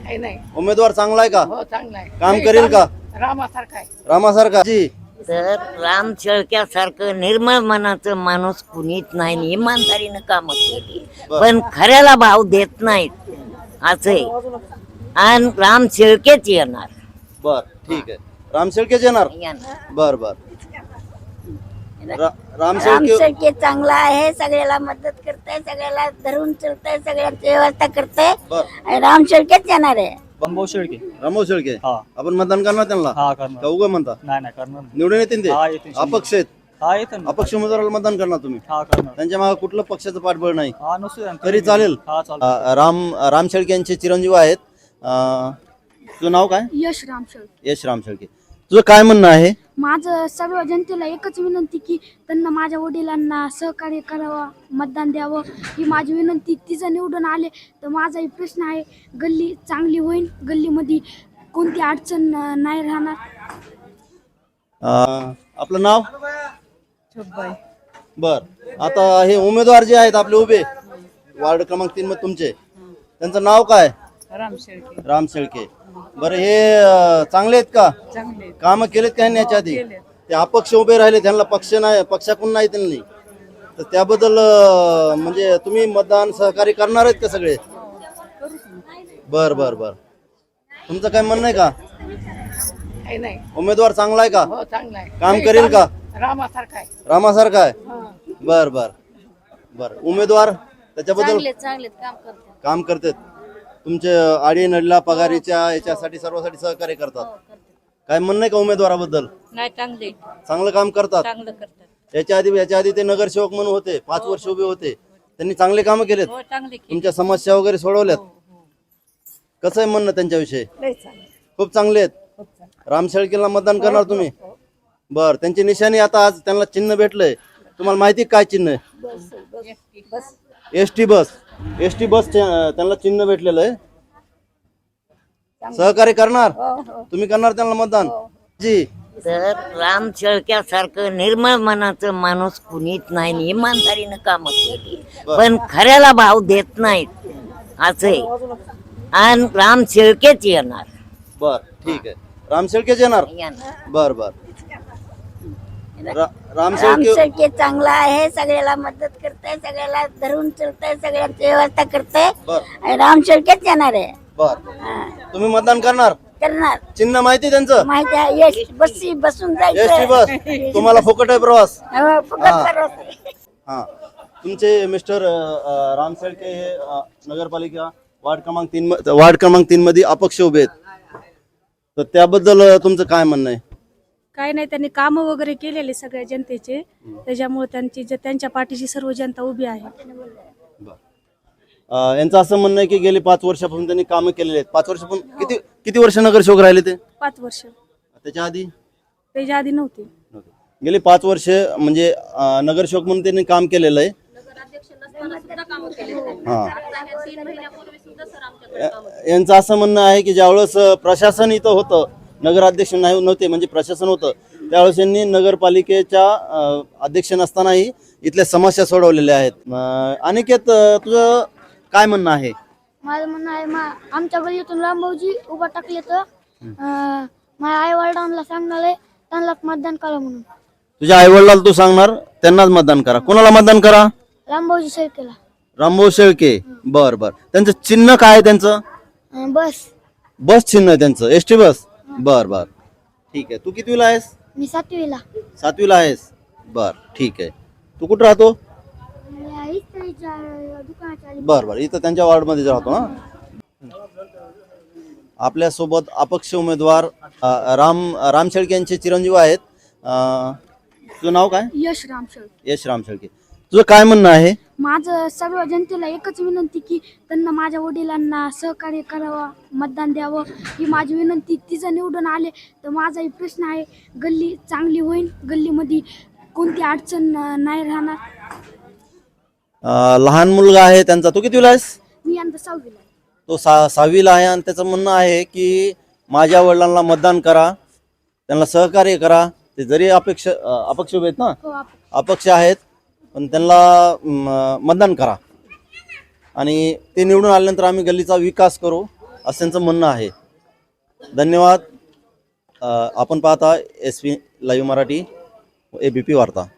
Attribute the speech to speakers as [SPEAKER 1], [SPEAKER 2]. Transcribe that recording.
[SPEAKER 1] काही नाही.
[SPEAKER 2] उमेदवार चांगला आहे का?
[SPEAKER 1] हो चांगला आहे.
[SPEAKER 2] काम करेल का?
[SPEAKER 1] रामासारखा आहे.
[SPEAKER 2] रामासारखा जी
[SPEAKER 3] तर राम शेळक्यासारखं निर्मळ मनाचं माणूस कुणीच नाही. इमानदारीनं काम केली पण खऱ्याला भाव देत नाहीत असं आहे. आणि राम शेळकेच येणार.
[SPEAKER 2] बर ठीक आहे. राम शेळकेच येणार. बर बर. राम शेळके
[SPEAKER 4] शेळके चांगला आहे, सगळ्याला मदत करताय, सगळ्याला धरून चलताय, सगळ्यांची व्यवस्था करताय.
[SPEAKER 2] बर.
[SPEAKER 4] राम शेळकेच येणार आहे.
[SPEAKER 5] बंबो शेळके.
[SPEAKER 2] रामो शेळके
[SPEAKER 5] हा
[SPEAKER 2] आपण मतदान करणार त्यांना
[SPEAKER 5] हा करणार.
[SPEAKER 2] का उगा म्हणता?
[SPEAKER 5] नाही नाही करणार.
[SPEAKER 2] निवडून येतील ते?
[SPEAKER 5] हा, येतील.
[SPEAKER 2] अपक्ष आहेत.
[SPEAKER 5] हा येतं ना.
[SPEAKER 2] अपक्ष उमेदवाराला मतदान करणार तुम्ही?
[SPEAKER 5] हा करणार.
[SPEAKER 2] त्यांच्या मागे कुठलं पक्षाचं पाठबळ नाही
[SPEAKER 5] हा नसू द्या.
[SPEAKER 2] तरी चालेल?
[SPEAKER 5] हा चालेल.
[SPEAKER 2] राम शेळके यांचे चिरंजीव आहेत. तुझं नाव काय?
[SPEAKER 6] यश राम शेळके.
[SPEAKER 2] यश राम शेळके. तुझं काय म्हणणं आहे?
[SPEAKER 6] माझं सर्व जनतेला एकच विनंती की त्यांना माझ्या वडिलांना सहकार्य करावं, मतदान द्यावं ही माझी विनंती. तिचं निवडून आले तर माझाही प्रश्न आहे, गल्ली चांगली होईल, गल्लीमध्ये कोणती अडचण नाही राहणार.
[SPEAKER 2] आपलं नाव? बर. आता हे उमेदवार जे आहेत आपले उभे वार्ड क्रमांक 3 मध्ये तुमचे, त्यांचं नाव काय? राम शेळके. बरं हे चांगले आहेत का? काम केलेत का ह्यांनी याच्या आधी? ते अपक्ष उभे राहिले, त्यांना पक्ष नाही, पक्षाकडून नाही त्यांनी, तर त्याबद्दल म्हणजे तुम्ही मतदान सहकार्य करणार आहेत का सगळे? बर बर बर. तुमचं काय म्हणणं आहे का?
[SPEAKER 1] काही नाही.
[SPEAKER 2] उमेदवार चांगला आहे का?
[SPEAKER 1] हो चांगला आहे.
[SPEAKER 2] काम करेल का?
[SPEAKER 1] रामासारखा आहे.
[SPEAKER 2] रामासारखा आहे. बर बर बर. उमेदवार त्याच्याबद्दल काम करतात. तुमचे आडी नडला पगारीच्या याच्यासाठी सर्वांसाठी सहकार्य करतात. काय म्हणणं आहे का उमेदवाराबद्दल?
[SPEAKER 4] नाही चांगले,
[SPEAKER 2] चांगलं काम करतात.
[SPEAKER 4] चांगलं करतात.
[SPEAKER 2] याच्या आधी ते नगरसेवक म्हणून होते, 5 वर्ष उभे होते. त्यांनी चांगले काम केलेत.
[SPEAKER 4] हो चांगले.
[SPEAKER 2] तुमच्या समस्या वगैरे सोडवल्यात. कसं आहे म्हणणं त्यांच्याविषयी? खूप चांगले आहेत. राम शेळकेला मतदान करणार तुम्ही? बर. त्यांची निशाणी आता आज त्यांना चिन्ह भेटलंय. तुम्हाला माहिती काय चिन्ह आहे? ST bus. एसटी बस त्यांना चिन्ह भेटलेलं आहे. सहकार्य करणार तुम्ही? करणार त्यांना मतदान जी?
[SPEAKER 3] तर राम शेळक्यासारखं निर्मळ मनाचं माणूस कुणीच नाही. इमानदारीनं काम केली पण खऱ्याला भाव देत नाहीत असं आहे. आणि राम शेळकेच येणार.
[SPEAKER 2] बर ठीक आहे. राम शेळकेच येणार. बर बर. राम शेळके
[SPEAKER 4] शेळके चांगला आहे, सगळ्याला मदत करताय, सगळ्याला धरून चलताय, सगळ्यांची व्यवस्था करताय.
[SPEAKER 2] बर
[SPEAKER 4] राम शेळकेच येणार आहे.
[SPEAKER 2] बर. तुम्ही मतदान करणार?
[SPEAKER 4] करणार.
[SPEAKER 2] चिन्ह माहिती त्यांचं?
[SPEAKER 4] माहिती आहे. यश बसची बसून
[SPEAKER 2] एसटी
[SPEAKER 4] जायचं.
[SPEAKER 2] बस. तुम्हाला फुकट आहे प्रवास?
[SPEAKER 4] हो, फुकट प्रवास आहे.
[SPEAKER 2] हा. तुमचे मिस्टर राम शेळके हे नगरपालिका वार्ड क्रमांक 3 मध्ये अपक्ष उभे आहेत, तर त्याबद्दल तुमचं काय म्हणणं आहे?
[SPEAKER 6] काय नाही, त्यांनी कामं वगैरे केलेले सगळ्या जनतेचे, त्याच्यामुळे त्यांच्या पाठीशी सर्व जनता उभी आहे.
[SPEAKER 2] यांचं असं म्हणणं आहे की गेली 5 वर्षापासून त्यांनी कामं केलेली आहेत. 5 वर्षापासून किती वर्ष नगरसेवक राहिले ते?
[SPEAKER 6] 5 वर्ष.
[SPEAKER 2] त्याच्या आधी
[SPEAKER 6] नव्हते.
[SPEAKER 2] गेली 5 वर्ष म्हणजे नगरसेवक म्हणून त्यांनी काम केलेलं आहे. हा. यांचं असं म्हणणं आहे की ज्यावेळेस प्रशासन इथं होतं, नगराध्यक्ष नव्हते म्हणजे प्रशासन होतं, त्यावेळेस यांनी नगरपालिकेच्या अध्यक्ष नसतानाही इथल्या समस्या सोडवलेल्या आहेत. अनिकेत, तुझं काय म्हणणं आहे?
[SPEAKER 6] माझं म्हणणं आहे, आमच्या गल्लीतून रामभाऊजी उभा टाकले तर माझ्या आई वडिलांना सांगणार आहे त्यांनाच मतदान करा म्हणून.
[SPEAKER 2] तुझ्या आई वडिलांना तू सांगणार त्यांनाच मतदान करा? कोणाला मतदान करा?
[SPEAKER 6] रामभाऊजी शेळकेला.
[SPEAKER 2] रामभाऊ शेळके. बर बर. त्यांचं चिन्ह काय आहे? त्यांचं
[SPEAKER 6] बस.
[SPEAKER 2] बस चिन्ह आहे त्यांचं, एसटी बस. बर बर ठीक आहे. तू कितवीला आहेस?
[SPEAKER 6] मी 7वीला.
[SPEAKER 2] 7वीला आहेस. बर ठीक आहे. तू कुठं राहतो? बर बर. इथं त्यांच्या वार्ड मध्ये राहतो. हा. आपल्या सोबत अपक्ष उमेदवार राम शेळके यांचे चिरंजीव आहेत. तुझं नाव काय?
[SPEAKER 6] यश राम शेळके.
[SPEAKER 2] यश राम शेळके. तुझं काय म्हणणं आहे?
[SPEAKER 6] माझं सर्व जनतेला एकच विनंती की त्यांना माझ्या वडिलांना सहकार्य करावं, मतदान द्यावं ही माझी विनंती. तिचं निवडून आले तर माझाही प्रश्न आहे, गल्ली चांगली होईल, गल्लीमध्ये कोणती अडचण नाही राहणार.
[SPEAKER 2] लहान मुलगा आहे त्यांचा. तू कितवीला आहेस?
[SPEAKER 6] मी यंदा 6वीला.
[SPEAKER 2] तो 6वीला आहे आणि त्याचं म्हणणं आहे की माझ्या वडिलांना मतदान करा, त्यांना सहकार्य करा. ते जरी अपक्ष उभे आहेत ना,
[SPEAKER 6] हो,
[SPEAKER 2] अपक्ष आहेत, पण त्यांना मतदान करा आणि ते निवडून आल्यानंतर आम्ही गल्लीचा विकास करू असं त्यांचं म्हणणं आहे. धन्यवाद. आपण पाहता SV लाईव्ह मराठी ABP वार्ता.